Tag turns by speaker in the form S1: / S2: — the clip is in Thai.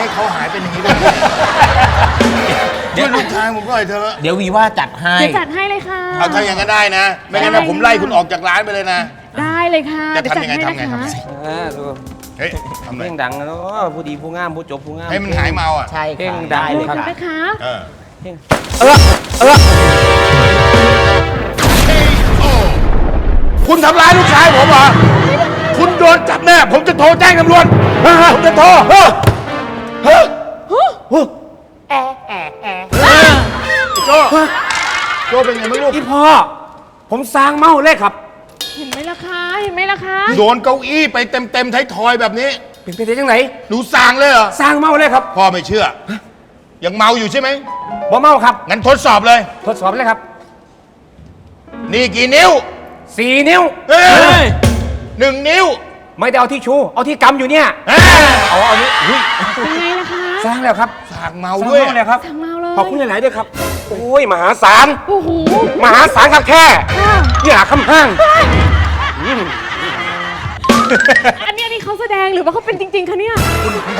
S1: เขาหายเป็นอย่างนี้ได้ช่วยลูกชายผมก็หน่อยเถอะ
S2: เดี๋ยววีว่าจัดให้
S3: เดี๋ยวจัดให้เลยค่ะ
S1: เอาถ้าอย่างนั้นได้นะ ไม่งั้นนะผมไล่คุณออกจากร้านไปเลยนะ
S3: ได้เลยค่ะ
S1: จะ
S3: เดี๋ยวจัด
S1: ทำยังไง
S3: ให้
S1: ทำไง
S3: นะคะ
S1: ทำไง
S4: ดู
S1: เฮ้ยทำไง
S4: เพลงดังนะเนาะผู้ดีผู้งามผู้จบผู้งาม
S1: ให้มันหายเมาอ่ะ
S2: ใช่
S4: เพลง
S2: ค่ะ
S4: ดัง
S2: ได้เลย
S3: ขอบ
S2: ค่ะ
S3: คุณนะคะ
S1: เออ
S4: เพลง
S1: คุณทำร้ายลูกชายผมเหรอ คุณโดนจับแน่ ผมจะโทรแจ้งตำรวจผมจะโทรโจ้โจ้เป็นไงไม่รู้
S4: พี่พ่อผมสร้างเมาเลยครับ
S3: เห็นไหมล่ะคะเห็นไหมล่ะคะ
S1: โดนเก้าอี้ไปเต็มไทยทอยแบบนี้
S4: เป็นไปได้ยังไง
S1: หนูสั่งเลยเหรอ
S4: สร้างเมาเลยครับ
S1: พ่อไม่เชื่อ ยังเมาอยู่ใช่ไหม
S4: บ่เมาครับ
S1: งั้นทดสอบเลย
S4: ทดสอบเลยครับ
S1: นี่กี่นิ้ว
S4: 4 นิ้ว
S1: เอ้ย1 นิ้ว
S4: ไม่ได้เอาที่ชูเอาที่กำอยู่เนี่ย
S1: เอ้ย
S4: เอานี้อุ๊ย
S3: เป็นไงล่ะคะ
S4: สร้างแล้วครับ
S1: สั่งเมา
S4: สร้าง
S1: ด้วย
S4: เมาเลยครับ
S3: สั่งเมาเลย
S4: ขอบคุณหลายๆด้วยครับ โอ้ยมหาศาล
S3: โอ้โห
S4: มหาศาลครับแค่
S3: ค่ะ
S4: อย่าคำห้าง
S3: อันนี้เขาแสดงหรือว่าเขาเป็นจริงๆคะเนี่ย